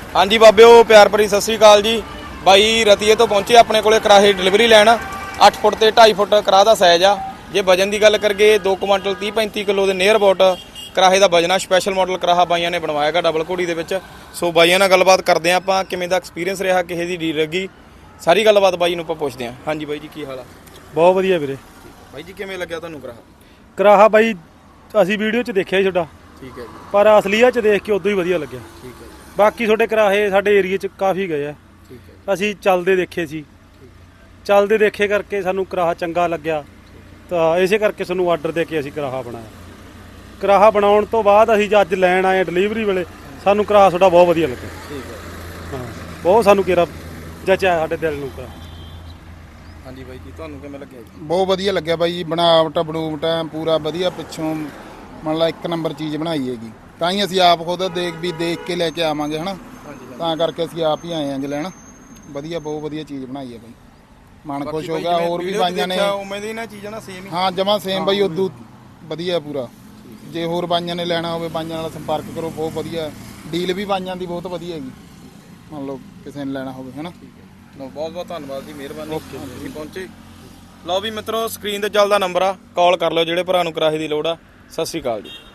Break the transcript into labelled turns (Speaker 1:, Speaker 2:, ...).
Speaker 1: हाँ जी बाबिओ प्यार भरी सत श्री अकाल जी। बाई रतीए तो पहुंचे अपने को कराहे डिलीवरी लैन 8 फुट ते 2.5 फुट कराह दा साइज आ। जे वजन की गल करिए 2 कुंटल 30-35 किलो के नियर अबाउट कराहे का वजन आ। स्पैशल मॉडल कराहा बाइयां ने बनवाया डबल घोड़ी दे विच। सो बाइयां नाल गलबात करते हैं आपां किवें दा एक्सपीरियंस रहा किसी दी डील लगी सारी गलबात बाई नूं आपां पुछदे हां। हाँ जी बाई जी की हाल आ?
Speaker 2: बहुत वधिया वीरे।
Speaker 1: बाई जी किवें लग्गिया तुहानूं कराहा?
Speaker 2: कराहा बाई ਅਸੀਂ ਵੀਡੀਓ 'ਚ ਦੇਖਿਆ ਸੀ ਤੁਹਾਡਾ,
Speaker 1: ठीक है जी
Speaker 2: ਪਰ ਅਸਲੀਅਤ 'ਚ ਦੇਖ ਕੇ ਉਦੋਂ ਹੀ ਵਧੀਆ ਲੱਗਿਆ।
Speaker 1: ठीक है जी
Speaker 2: ਬਾਕੀ ਤੁਹਾਡੇ ਕਰਾਹੇ ਸਾਡੇ ਏਰੀਏ 'ਚ ਕਾਫੀ ਗਏ ਆ,
Speaker 1: ठीक है
Speaker 2: ਅਸੀਂ ਚੱਲਦੇ ਦੇਖੇ ਸੀ। ਚੱਲਦੇ ਦੇਖੇ ਕਰਕੇ ਸਾਨੂੰ ਕਰਾਹਾ ਚੰਗਾ ਲੱਗਿਆ ਤਾਂ ਇਸੇ ਕਰਕੇ ਸਾਨੂੰ ਆਰਡਰ ਦੇ ਕੇ ਅਸੀਂ ਕਰਾਹਾ ਬਣਾਇਆ। ਕਰਾਹਾ ਬਣਾਉਣ ਤੋਂ ਬਾਅਦ ਅਸੀਂ ਅੱਜ ਲੈਣ ਆਏ ਡਿਲੀਵਰੀ ਵੇਲੇ ਸਾਨੂੰ ਕਰਾਹਾ ਤੁਹਾਡਾ ਬਹੁਤ ਵਧੀਆ ਲੱਗਿਆ।
Speaker 1: ठीक है
Speaker 2: ਹਾਂ ਬਹੁਤ ਸਾਨੂੰ ਕਿਹੜਾ ਜਚਿਆ ਸਾਡੇ ਦਿਲ ਨੂੰ ਕਰਾਹਾ।
Speaker 1: हाँ जी बाई जी तुहानूं किवें लग्गिया जी?
Speaker 3: ਬਹੁਤ ਵਧੀਆ ਲੱਗਿਆ ਬਾਈ ਜੀ। ਬਣਾਵਟ ਬਣੂਵਟ ਪੂਰਾ ਵਧੀਆ ਪਿੱਛੋਂ ਮਤਲਬ ਇੱਕ ਨੰਬਰ ਚੀਜ਼ ਬਣਾਈ ਹੈਗੀ। ਤਾਂ ਹੀ ਅਸੀਂ ਆਪ ਖੁਦ ਦੇਖ ਕੇ ਲੈ ਕੇ ਆਵਾਂਗੇ ਹਨਾ। ਤਾਂ ਕਰਕੇ ਅਸੀਂ ਆਪ ਹੀ ਆਏ ਆਂ ਲੈਣ। ਵਧੀਆ ਬਹੁਤ ਵਧੀਆ ਚੀਜ਼ ਬਣਾਈ ਹੈ ਬਾਈ, ਮਨ ਖੁਸ਼ ਹੋ ਗਿਆ। ਹੋਰ ਵੀ ਬਾਈਆਂ ਨੇ
Speaker 1: ਉਵੇਂ ਦੀ ਨਾ ਚੀਜ਼ਾਂ ਨਾ ਸੇਮ ਹੀ।
Speaker 3: ਹਾਂ ਜਮਾ ਸੇਮ ਬਾਈ ਉਦੋਂ ਵਧੀਆ ਪੂਰਾ। ਜੇ ਹੋਰ ਬਾਈਆਂ ਨੇ ਲੈਣਾ ਹੋਵੇ ਬਾਈਆਂ ਨਾਲ ਸੰਪਰਕ ਕਰੋ, ਬਹੁਤ ਵਧੀਆ ਡੀਲ ਵੀ ਬਾਈਆਂ ਦੀ ਬਹੁਤ ਵਧੀਆ ਹੈਗੀ। ਮੰਨ ਲਓ ਕਿਸੇ ਨੇ ਲੈਣਾ ਹੋਵੇ ਹਨਾ।
Speaker 1: ਬਹੁਤ ਬਹੁਤ ਧੰਨਵਾਦ ਜੀ, ਮਿਹਰਬਾਨੀ ਤੁਸੀਂ ਪਹੁੰਚੇ। ਲਓ ਵੀ ਮਿੱਤਰੋ ਸਕਰੀਨ ਤੇ ਚੱਲਦਾ ਨੰਬਰ ਆ, ਕਾਲ ਕਰ ਲਓ ਜਿਹੜੇ ਭਰਾ ਨੂੰ ਕਰਾਹੇ ਦੀ ਲੋੜ ਆ। ਸਤਿ ਸ਼੍ਰੀ ਅਕਾਲ ਜੀ।